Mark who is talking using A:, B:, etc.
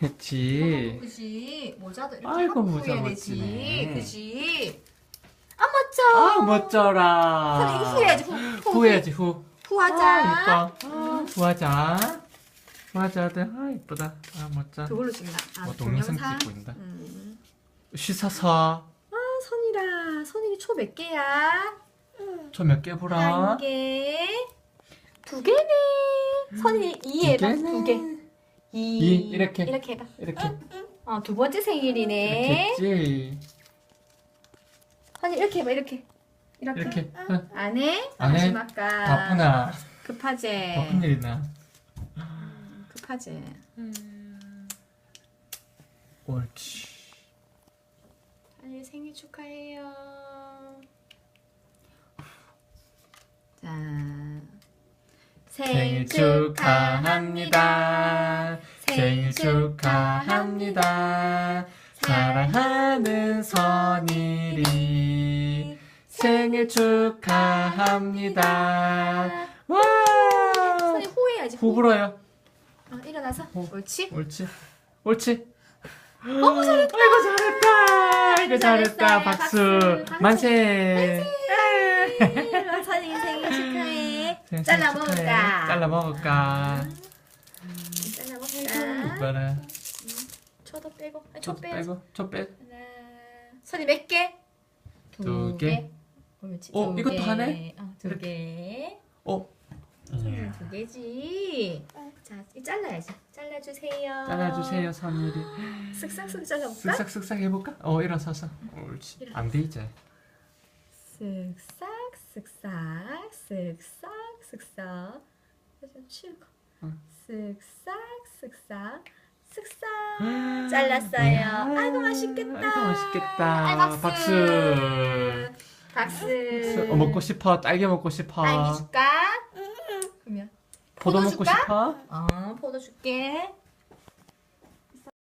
A: 했지.
B: 그지? 모자도 이렇게
A: 아이고,
B: 하고
A: 모자
B: 후해야 되지.
A: 멋지네.
B: 그지? 아 멋져.
A: 아, 멋져라.
B: 선생님 이거 후해야지. 후.
A: 후해야지, 후.
B: 후하자.
A: 아, 이뻐. 후하자. 후하자, 아들. 아, 이쁘다. 아, 멋져.
B: 그걸로 찍나? 아,
A: 동영상
B: 동영상.
A: 찍고 있다.
B: 음.
A: 쉬사사.
B: 아 선이라. 선이 초 몇 개야?
A: 저 몇 개 보라.
B: 한 개. 두 개네. 선이 2 해봐. 두 개.
A: 이, 이렇게.
B: 이렇게 해봐.
A: 이렇게.
B: 두 번째 생일이네.
A: 했지.
B: 선이 이렇게 해봐. 이렇게.
A: 이렇게. 응.
B: 안 해?
A: 안 해?
B: 마지막까.
A: 바쁘나.
B: 급하지.
A: 바쁜 일 있나?
B: 급하지.
A: 옳지.
B: 선이 생일 축하해요. 자.
A: 생일 축하합니다. 생일 축하합니다. 사랑하는 선일이 생일 축하합니다. 와!
B: 선이 호해야지.
A: 후 불어요.
B: 일어나서. 옳지?
A: 옳지. 옳지.
B: 너무 잘했다.
A: 아이고 잘했다. 아이고 잘했다.
B: 잘했어요.
A: 박수.
B: 박수.
A: 만세.
B: 선이 생일 축하해.
A: 생일
B: 잘라
A: 축하해.
B: 먹을까?
A: 잘라 먹을까?
B: 잘라 먹자.
A: 이거는
B: 초도 빼고.
A: 초 빼고 초 빼.
B: 하나. 선이 몇 개?
A: 두 개.
B: 옳지.
A: 어,
B: 두
A: 이것도
B: 개.
A: 하네?
B: 두 개.
A: 어.
B: 선이 두 개지. 자, 이 잘라야지. 잘라주세요.
A: 잘라주세요 선일이.
B: 쓱싹쓱 잘라볼까?
A: 쓱싹쓱싹 해볼까? 일어서서. 옳지. 안 돼 이제.
B: 쓱싹 쓱싹 쓱싹 쓱싹 좀 치우고
A: 응.
B: 쓱싹 쓱싹 쓱싹 잘랐어요. 아이고 맛있겠다.
A: 아이고 맛있겠다.
B: 아이, 박수.
A: 박수.
B: 박수.
A: 먹고 싶어. 딸기 먹고 싶어.
B: 딸기 줄까? 그러면
A: 포도
B: 포도
A: 먹고
B: 줄까?
A: 싶어.
B: 포도 줄게.